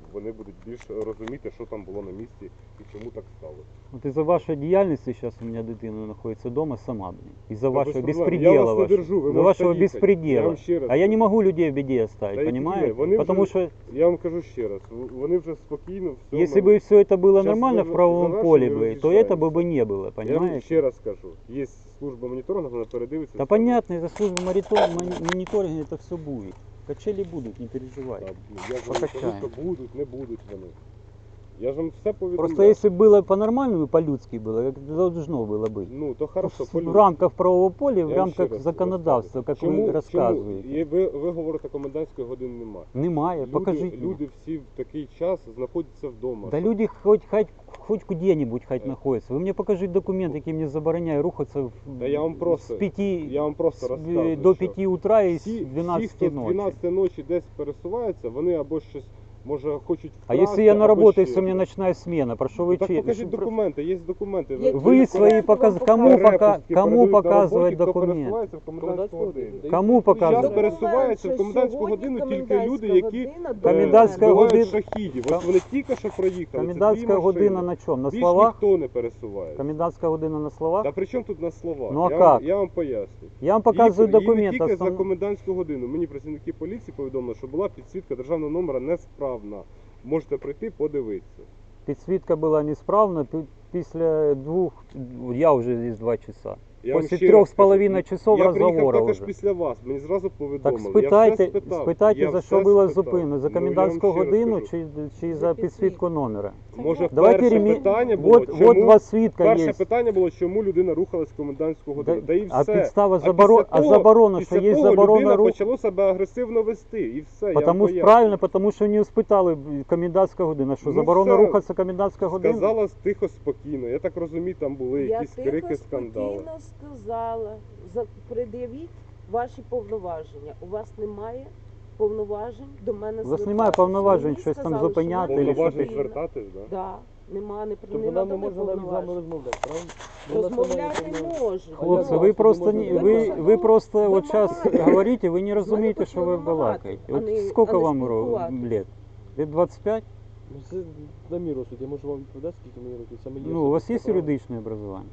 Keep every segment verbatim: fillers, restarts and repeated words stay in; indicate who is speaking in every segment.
Speaker 1: вони будуть більш розуміти, що там було на місці і чому так сталося.
Speaker 2: Вот из-за вашей деятельности сейчас у меня дитина находится дома сама, блин. Из-за
Speaker 1: Да
Speaker 2: вашего
Speaker 1: без проблем.
Speaker 2: беспредела
Speaker 1: Я вас не
Speaker 2: вашего.
Speaker 1: держу, вы
Speaker 2: Из-за
Speaker 1: можете
Speaker 2: вашего
Speaker 1: ехать. Я
Speaker 2: беспредела.
Speaker 1: вам ще раз
Speaker 2: А я не
Speaker 1: кажу.
Speaker 2: могу людей в беде оставить,
Speaker 1: Та які
Speaker 2: понимаете?
Speaker 1: ви? Вони
Speaker 2: Потому
Speaker 1: вже-
Speaker 2: что
Speaker 1: Я вам кажу ще раз, вони вже спокійно все.
Speaker 2: если бы все это было
Speaker 1: Щас
Speaker 2: нормально
Speaker 1: ви-
Speaker 2: в правовом
Speaker 1: завершимо
Speaker 2: поле
Speaker 1: і
Speaker 2: бы, то
Speaker 1: роз'їжджаємося.
Speaker 2: этого бы не было,
Speaker 1: Я вам
Speaker 2: понимаете?
Speaker 1: ще раз кажу, є служба моніторингу, вона передивиться.
Speaker 2: Да
Speaker 1: все.
Speaker 2: понятно, из-за службы монитор- мониторинга это все будет. Качели будут, не переживай.
Speaker 1: Та, ну, Я ж вам не кажу,
Speaker 2: Покачаємо.
Speaker 1: що будуть, не будуть вони. Я ж вам все повідомляю.
Speaker 2: Просто если бы было по-нормальному, по-людски было, как должно было быть.
Speaker 1: Ну, то хорошо,
Speaker 2: В
Speaker 1: по-людськи.
Speaker 2: рамках правового поля,
Speaker 1: Я
Speaker 2: в
Speaker 1: вам ще
Speaker 2: рамках
Speaker 1: раз
Speaker 2: законодавства, как
Speaker 1: чому,
Speaker 2: вы рассказываете.
Speaker 1: Чому? І ви, ви говорите, комендантської години немає.
Speaker 2: Немає,
Speaker 1: Люди,
Speaker 2: покажите.
Speaker 1: люди всі в такий час знаходяться вдома.
Speaker 2: Да
Speaker 1: Що-
Speaker 2: люди хоть, хоть, хоть куди-нибудь хоть
Speaker 1: Е.
Speaker 2: находятся. Вы мне покажите документ, який мені забороняє рухатися в,
Speaker 1: Та я вам просто,
Speaker 2: з пяти
Speaker 1: я вам просто
Speaker 2: з-
Speaker 1: розказую,
Speaker 2: до
Speaker 1: що
Speaker 2: пяти утра і з
Speaker 1: всі, всі, хто
Speaker 2: дванадцяти
Speaker 1: з
Speaker 2: ночі.
Speaker 1: дванадцятої ночі десь пересуваються, вони або щось, може, хочуть
Speaker 2: А
Speaker 1: вкрасти,
Speaker 2: если я на
Speaker 1: або
Speaker 2: работе,
Speaker 1: ще
Speaker 2: если у меня
Speaker 1: щось.
Speaker 2: ночная смена, прошу
Speaker 1: Ну,
Speaker 2: вы
Speaker 1: так
Speaker 2: че-
Speaker 1: покажіть
Speaker 2: что-
Speaker 1: документи, є документи.
Speaker 2: Вы
Speaker 1: документи
Speaker 2: свои показ...
Speaker 1: вам
Speaker 2: Кому, пока...
Speaker 1: перепустки
Speaker 2: Кому
Speaker 1: передають на
Speaker 2: показывать
Speaker 1: роботі, хто
Speaker 2: документ?
Speaker 1: пересувається в комендантську годину.
Speaker 2: Кому
Speaker 1: Зараз
Speaker 2: показывать?
Speaker 1: пересуваються в комендантську годину тільки люди, які
Speaker 2: Комендантська
Speaker 1: е,
Speaker 2: година-
Speaker 1: збивають шахідів. Ось вони тільки що проїхали. це
Speaker 2: Комендантская
Speaker 1: дві
Speaker 2: година
Speaker 1: машини.
Speaker 2: на чем? На
Speaker 1: Більш
Speaker 2: словах?
Speaker 1: ніхто не пересуває.
Speaker 2: Комендантская година на словах?
Speaker 1: Та при чому тут на слова?
Speaker 2: Ну, а
Speaker 1: я, вам,
Speaker 2: как?
Speaker 1: я вам поясню.
Speaker 2: Я вам показываю
Speaker 1: Її- її
Speaker 2: документ.
Speaker 1: не тільки
Speaker 2: основ-
Speaker 1: за комендантську годину. Мені працівники поліції повідомили, що була підсвітка державного номера несправна. Можете прийти, подивитися.
Speaker 2: Підсвітка була несправна пі- після двох, я вже здесь два часа.
Speaker 1: Я вам
Speaker 2: Після
Speaker 1: ще
Speaker 2: трьох
Speaker 1: раз
Speaker 2: з
Speaker 1: кажу,
Speaker 2: половиною часов
Speaker 1: я приїхав
Speaker 2: розговору
Speaker 1: також
Speaker 2: вже.
Speaker 1: після вас, мені зразу повідомили.
Speaker 2: Так
Speaker 1: Я все
Speaker 2: спитайте,
Speaker 1: спитав.
Speaker 2: спитайте,
Speaker 1: Я
Speaker 2: за
Speaker 1: все
Speaker 2: що була
Speaker 1: спитав.
Speaker 2: зупинена? За
Speaker 1: Ну,
Speaker 2: комендантську
Speaker 1: я вам ще раз
Speaker 2: годину
Speaker 1: кажу.
Speaker 2: чи, чи за підсвітку номера?
Speaker 1: Може,
Speaker 2: Давайте
Speaker 1: перше
Speaker 2: ремі...
Speaker 1: питання було,
Speaker 2: вот,
Speaker 1: чому...
Speaker 2: вот два свідка
Speaker 1: Перше
Speaker 2: є.
Speaker 1: питання було, чому людина рухалась в комендантську годину.
Speaker 2: Да,
Speaker 1: Да, і
Speaker 2: а
Speaker 1: все.
Speaker 2: підстава
Speaker 1: А
Speaker 2: заборо...
Speaker 1: після
Speaker 2: а
Speaker 1: того-
Speaker 2: заборона, що
Speaker 1: після
Speaker 2: є
Speaker 1: того
Speaker 2: заборона
Speaker 1: людина
Speaker 2: руху.
Speaker 1: почала себе агресивно вести. І все, я вам
Speaker 2: Потому що
Speaker 1: поясню.
Speaker 2: правильно, потому що не спитали комендантська година. Що
Speaker 1: Ну,
Speaker 2: заборона
Speaker 1: все.
Speaker 2: рухатися комендантська година?
Speaker 1: Сказала тихо, спокійно. Я так розумію, там були
Speaker 3: Я
Speaker 1: якісь
Speaker 3: тихо,
Speaker 1: крики, скандали.
Speaker 3: спокійно сказала, за- пред'явіть ваші повноваження. У вас немає повноважень до мене
Speaker 2: У вас
Speaker 3: звертатися.
Speaker 2: немає повноважень
Speaker 3: Мені
Speaker 2: щось там
Speaker 3: сказали,
Speaker 2: зупиняти
Speaker 3: що
Speaker 2: или
Speaker 3: я
Speaker 2: що
Speaker 1: Повноважень
Speaker 2: ти-
Speaker 3: спокійна.
Speaker 1: звертатись, да?
Speaker 3: Да, нема, не,
Speaker 4: Тобто
Speaker 3: не
Speaker 4: нам не
Speaker 3: надали
Speaker 4: можна навіть з вами
Speaker 3: повноважень.
Speaker 4: розмовляти, правильно? Бо у нас
Speaker 3: Розмовляти
Speaker 4: немає
Speaker 3: можу.
Speaker 2: Хлопці,
Speaker 4: я
Speaker 2: ви
Speaker 4: вас
Speaker 2: просто,
Speaker 4: тоді
Speaker 2: не,
Speaker 4: можна
Speaker 2: ви,
Speaker 4: вимагати.
Speaker 2: ви просто от
Speaker 3: Вимагати.
Speaker 2: зараз говорите, ви не
Speaker 3: З
Speaker 2: розумієте,
Speaker 3: мене
Speaker 2: що ви
Speaker 3: почали
Speaker 2: балакаєте.
Speaker 3: вимагати,
Speaker 2: От
Speaker 3: а не-
Speaker 2: скільки
Speaker 3: а не
Speaker 2: вам ро-
Speaker 3: спілкуватись.
Speaker 2: лет? Лет двадцять п'ять?
Speaker 4: Ну, це на мій розсуд, я можу вам відповідати, скільки мені років. Саме є
Speaker 2: Ну, у вас є
Speaker 4: особисте право.
Speaker 2: юридичне образування?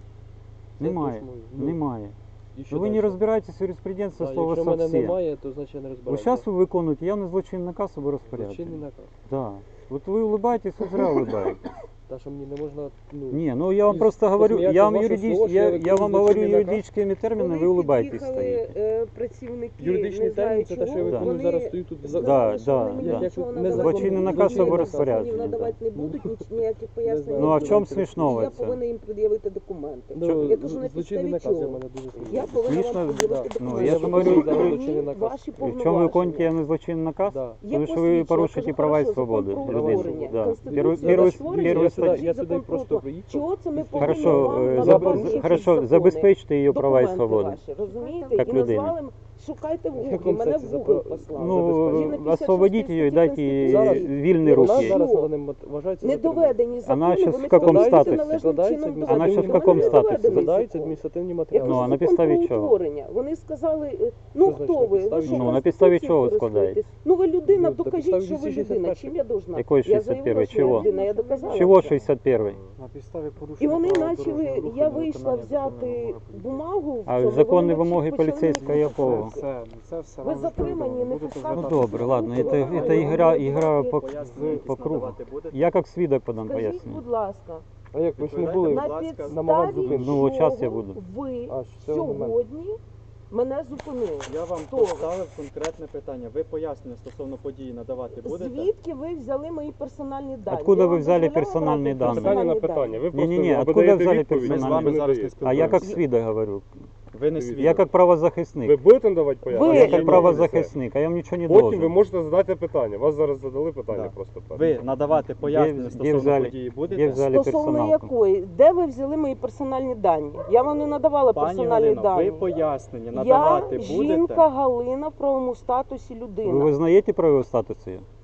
Speaker 4: Це
Speaker 2: Немає.
Speaker 4: точно, ну,
Speaker 2: Немає.
Speaker 4: І що
Speaker 2: Ну, ви не
Speaker 4: дальше?
Speaker 2: розбираєтесь в юриспруденції
Speaker 4: Так,
Speaker 2: слова
Speaker 4: якщо в мене
Speaker 2: совсем.
Speaker 4: немає, то значить я не
Speaker 2: Ось
Speaker 4: розбираюся.
Speaker 2: зараз ви виконуєте явно злочинний наказ або
Speaker 4: Злочинний
Speaker 2: розпорядження.
Speaker 4: наказ.
Speaker 2: Да. От ви улыбаєтесь, ви зря улыбаєтесь.
Speaker 4: Та, що мені не можна, ну...
Speaker 2: Не, ну я вам
Speaker 4: Із-
Speaker 2: просто говорю,
Speaker 4: посміятися
Speaker 2: я вам,
Speaker 4: з вашого
Speaker 2: юридич,
Speaker 4: слова, що
Speaker 2: я,
Speaker 4: я
Speaker 2: я
Speaker 4: виконую
Speaker 2: вам говорю
Speaker 4: злочинний наказ.
Speaker 2: юридичними термінами, ви
Speaker 3: Коли
Speaker 2: улыбаєтесь
Speaker 3: під'їхали,
Speaker 2: стоїте.
Speaker 3: е, працівники,
Speaker 4: Юридичний
Speaker 3: не знаю
Speaker 4: термін це те, що я
Speaker 3: чого,
Speaker 2: Да.
Speaker 4: виконую
Speaker 3: вони
Speaker 4: зараз, стою тут.
Speaker 3: сказали,
Speaker 2: Да,
Speaker 3: що
Speaker 2: да,
Speaker 3: вони мені
Speaker 2: да.
Speaker 3: нічого
Speaker 4: Як
Speaker 3: надавати
Speaker 2: Злочинний
Speaker 3: не
Speaker 2: наказ
Speaker 3: будуть,
Speaker 2: або
Speaker 3: ніяких
Speaker 2: розпорядження,
Speaker 3: законів надавати
Speaker 2: да.
Speaker 3: не будуть, ніч- ніяких пояснень.
Speaker 4: Ну,
Speaker 2: Ну а
Speaker 3: не
Speaker 2: в чому
Speaker 3: будуть.
Speaker 2: смішного
Speaker 3: Я
Speaker 2: це?
Speaker 3: повинна їм пред'явити документи.
Speaker 4: Ну,
Speaker 3: Я кажу, на
Speaker 4: злочинний
Speaker 3: підставі
Speaker 4: наказ для
Speaker 3: чого?
Speaker 4: мене дуже смішно.
Speaker 3: Я повинна
Speaker 2: Смішно,
Speaker 3: вам пред'явити
Speaker 4: да.
Speaker 2: Ну,
Speaker 3: документи.
Speaker 2: я ж говорю,
Speaker 3: Покажіть
Speaker 4: зараз
Speaker 3: мені
Speaker 4: злочинний наказ.
Speaker 3: ваші
Speaker 2: В чому ви
Speaker 3: повноваження.
Speaker 2: виконуєте явно злочинний наказ?
Speaker 4: Да.
Speaker 3: Є
Speaker 2: Тому що ви
Speaker 3: посвідчення,
Speaker 2: порушуєте
Speaker 3: кажу,
Speaker 2: права і
Speaker 3: хорошо,
Speaker 2: свободи
Speaker 3: закон про
Speaker 2: людини.
Speaker 3: утворення,
Speaker 2: Да.
Speaker 3: Конституція,
Speaker 2: Первый,
Speaker 3: за
Speaker 2: первый,
Speaker 3: створення,
Speaker 2: первый
Speaker 4: я
Speaker 2: статью.
Speaker 4: сюди- я сюди
Speaker 3: закон
Speaker 4: просто
Speaker 3: про-
Speaker 4: приїхав.
Speaker 3: Чого це ми повинні
Speaker 2: Хорошо,
Speaker 3: вам
Speaker 2: е,
Speaker 3: надавати
Speaker 2: заб-
Speaker 3: якісь
Speaker 2: хорошо,
Speaker 3: закони?
Speaker 2: забезпечте її права і
Speaker 3: Документи
Speaker 2: свободи.
Speaker 3: ваші, розумієте?
Speaker 2: Як
Speaker 3: І
Speaker 2: людина.
Speaker 3: назвали, м- шукайте в
Speaker 4: В
Speaker 3: Google,
Speaker 4: якому
Speaker 3: мене в
Speaker 4: сенсі
Speaker 3: Google
Speaker 4: запро-
Speaker 3: послали.
Speaker 2: Ну,
Speaker 4: Забезпечити.
Speaker 2: освободіть її і дайте їй
Speaker 4: Зараз-
Speaker 2: вільні
Speaker 3: Вона
Speaker 4: Вона
Speaker 2: руки.
Speaker 4: зараз
Speaker 3: Що?
Speaker 4: на даний момент вважається
Speaker 3: Не
Speaker 4: затриманою.
Speaker 3: доведені закони,
Speaker 2: Вона щас
Speaker 3: вони
Speaker 2: в каком
Speaker 3: складаються
Speaker 2: статусі?
Speaker 3: належним
Speaker 4: Складається
Speaker 3: чином
Speaker 4: адміністративний-
Speaker 2: Вона щас в
Speaker 3: доведені.
Speaker 2: каком
Speaker 3: Вони не
Speaker 2: статусі?
Speaker 3: доведені
Speaker 4: Складаються
Speaker 3: законом.
Speaker 4: адміністративні
Speaker 3: Я
Speaker 4: матеріали.
Speaker 2: Ну, а
Speaker 3: кажу,
Speaker 2: на
Speaker 3: закон
Speaker 2: підставі
Speaker 3: про
Speaker 2: чого?
Speaker 3: утворення. Вони сказали, е, ну
Speaker 4: Що
Speaker 3: хто
Speaker 4: значить
Speaker 3: ви?
Speaker 4: на
Speaker 3: Ви
Speaker 4: підставі?
Speaker 3: що,
Speaker 2: Ну, на підставі
Speaker 3: Конституцією
Speaker 2: чого ви
Speaker 3: користуєтесь? Ну ви людина,
Speaker 4: Ну, на
Speaker 3: докажіть,
Speaker 4: підставі
Speaker 3: що ви
Speaker 4: двісті
Speaker 3: людина.
Speaker 4: шістдесят
Speaker 3: Чим я должна?
Speaker 2: Якої
Speaker 3: Я
Speaker 2: шістдесят
Speaker 3: заявила,
Speaker 2: першої?
Speaker 3: що я
Speaker 2: Чого?
Speaker 3: людина, я доказала.
Speaker 2: Чого
Speaker 3: це.
Speaker 2: шістдесят перший?
Speaker 5: На підставі
Speaker 3: І
Speaker 5: порушення
Speaker 3: вони
Speaker 5: правил
Speaker 3: почали,
Speaker 5: дорожнього руху
Speaker 3: я
Speaker 5: на
Speaker 3: вийшла
Speaker 5: виконання
Speaker 3: взяти
Speaker 5: законної
Speaker 3: бумагу. в
Speaker 2: А
Speaker 3: цьому,
Speaker 2: законні
Speaker 3: вони
Speaker 2: вимоги
Speaker 3: почали мені
Speaker 2: поліцейського якого?
Speaker 3: писати.
Speaker 5: Це, це все
Speaker 3: Ви
Speaker 5: вам
Speaker 3: затримані,
Speaker 5: повідомлено.
Speaker 3: не
Speaker 5: Будете
Speaker 3: пускати.
Speaker 2: Ну
Speaker 5: звертатися.
Speaker 2: добре, ладно, это,
Speaker 3: Давайте,
Speaker 2: это игра,
Speaker 3: давайте.
Speaker 2: игра по,
Speaker 6: Пояснення
Speaker 2: по кругу.
Speaker 6: надавати будете?
Speaker 2: Я как свідок подам
Speaker 3: Скажіть,
Speaker 2: пояснення.
Speaker 3: будь ласка,
Speaker 4: А як ви ж не були?
Speaker 3: на
Speaker 6: будь ласка,
Speaker 4: намагались
Speaker 3: підставі
Speaker 4: зупинити.
Speaker 2: Ну, от щас я
Speaker 3: чого
Speaker 2: буду.
Speaker 3: ви
Speaker 4: А, з цього моменту.
Speaker 3: сьогодні мене зупинили?
Speaker 6: Я вам
Speaker 3: Хто ви?
Speaker 6: поставив конкретне питання. Ви пояснення стосовно події надавати будете?
Speaker 3: Звідки ви взяли мої персональні дані?
Speaker 2: Откуда
Speaker 3: Я
Speaker 2: ви
Speaker 3: вам
Speaker 2: взяли
Speaker 3: дозволяла
Speaker 2: персональні
Speaker 3: брати
Speaker 2: дані?
Speaker 1: Питання на
Speaker 3: персональні
Speaker 1: питання. Ви
Speaker 3: дані?
Speaker 1: просто
Speaker 2: Не-не-не,
Speaker 1: або
Speaker 2: откуда
Speaker 1: даєте
Speaker 2: взяли
Speaker 1: відповідь,
Speaker 2: персональні
Speaker 6: Ми з
Speaker 1: або
Speaker 6: вами
Speaker 1: не
Speaker 6: зараз не
Speaker 1: даєте.
Speaker 2: А я как
Speaker 6: спілкуємося.
Speaker 2: свідок говорю.
Speaker 6: Ви не
Speaker 1: Я
Speaker 6: свідок.
Speaker 2: Я как
Speaker 1: Ви
Speaker 2: правозахисник.
Speaker 1: будете надавати пояснення?
Speaker 3: Ви-
Speaker 2: Я
Speaker 1: Ні,
Speaker 2: как
Speaker 1: ні,
Speaker 2: правозахисник, а я вам ничего не
Speaker 1: все. Потім
Speaker 2: должен.
Speaker 1: ви можете задати питання. Вас зараз задали питання
Speaker 6: Да.
Speaker 1: просто.
Speaker 6: Ви надавати пояснення
Speaker 2: де
Speaker 6: стосовно
Speaker 2: взяли-
Speaker 6: події
Speaker 2: де
Speaker 6: будете?
Speaker 2: взяли
Speaker 3: Стосовно
Speaker 2: персоналку?
Speaker 3: якої? Де ви взяли мої персональні дані? Я вам не надавала
Speaker 6: Пані
Speaker 3: персональні
Speaker 6: Галино,
Speaker 3: дані.
Speaker 6: ви пояснення
Speaker 3: Я
Speaker 6: надавати
Speaker 3: жінка
Speaker 6: будете?
Speaker 3: Галина в правовому статусі
Speaker 2: Ви
Speaker 3: людина.
Speaker 2: визнаєте про його статус? її?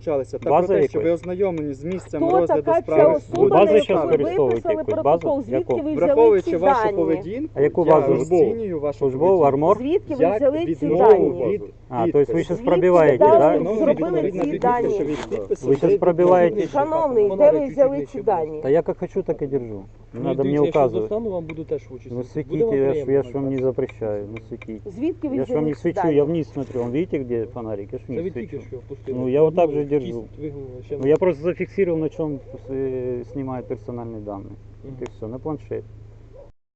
Speaker 6: долучалися, та
Speaker 2: База
Speaker 6: про те, що ви
Speaker 2: якась?
Speaker 6: ознайомлені з місцем
Speaker 3: Хто
Speaker 6: розгляду
Speaker 3: така ця
Speaker 6: справи.
Speaker 3: особа,
Speaker 2: Базу
Speaker 3: на
Speaker 2: щас
Speaker 3: яку ви
Speaker 2: використовуєте
Speaker 3: виписали
Speaker 2: якусь
Speaker 3: протокол?
Speaker 2: базу?
Speaker 3: Звідки
Speaker 2: Яку?
Speaker 3: ви взяли
Speaker 6: Враховуючи
Speaker 3: ці
Speaker 6: вашу
Speaker 3: дані?
Speaker 6: поведінку,
Speaker 2: А яку
Speaker 6: я
Speaker 2: базу?
Speaker 6: розцінюю вашу
Speaker 2: Службову
Speaker 6: поведінку.
Speaker 2: армор?
Speaker 3: Звідки ви
Speaker 6: Як
Speaker 3: взяли ці
Speaker 6: відмову
Speaker 3: дані?
Speaker 6: від
Speaker 2: А, тобто ви
Speaker 6: підпису.
Speaker 2: зараз
Speaker 3: Звідки
Speaker 2: пробиваєте,
Speaker 3: ви
Speaker 2: так?
Speaker 3: дали?
Speaker 2: Да?
Speaker 3: зробили ці дані?
Speaker 2: Ви щас пробиваєте?
Speaker 3: Шановний, де ви взяли ці дані?
Speaker 2: Та я як хочу, так і держу. Не
Speaker 4: Ну,
Speaker 2: надо
Speaker 4: дивіться,
Speaker 2: мне
Speaker 4: якщо
Speaker 2: указывать.
Speaker 4: достану, вам буду теж в очі
Speaker 2: Ну
Speaker 4: світити.
Speaker 2: светите,
Speaker 4: Буде вам
Speaker 2: я ж, я
Speaker 4: приємно,
Speaker 2: ж вам не
Speaker 4: так?
Speaker 2: запрещаю, ну светите.
Speaker 3: Звідки ви
Speaker 2: Я ж вам не
Speaker 3: взяли
Speaker 2: свечу,
Speaker 3: дані?
Speaker 2: я вниз смотрю. Вон видите, где фонарик? Я ж
Speaker 4: Це
Speaker 2: вниз
Speaker 4: ви тільки
Speaker 2: свечу.
Speaker 4: що впустили.
Speaker 2: Ну, я вот так же
Speaker 4: Вигнули,
Speaker 2: держу.
Speaker 4: кість вигнули, ще
Speaker 2: Ну я просто зафиксировал, на чем э, снимает персональные данные.
Speaker 4: Мгм.
Speaker 2: Вот и все, на планшет.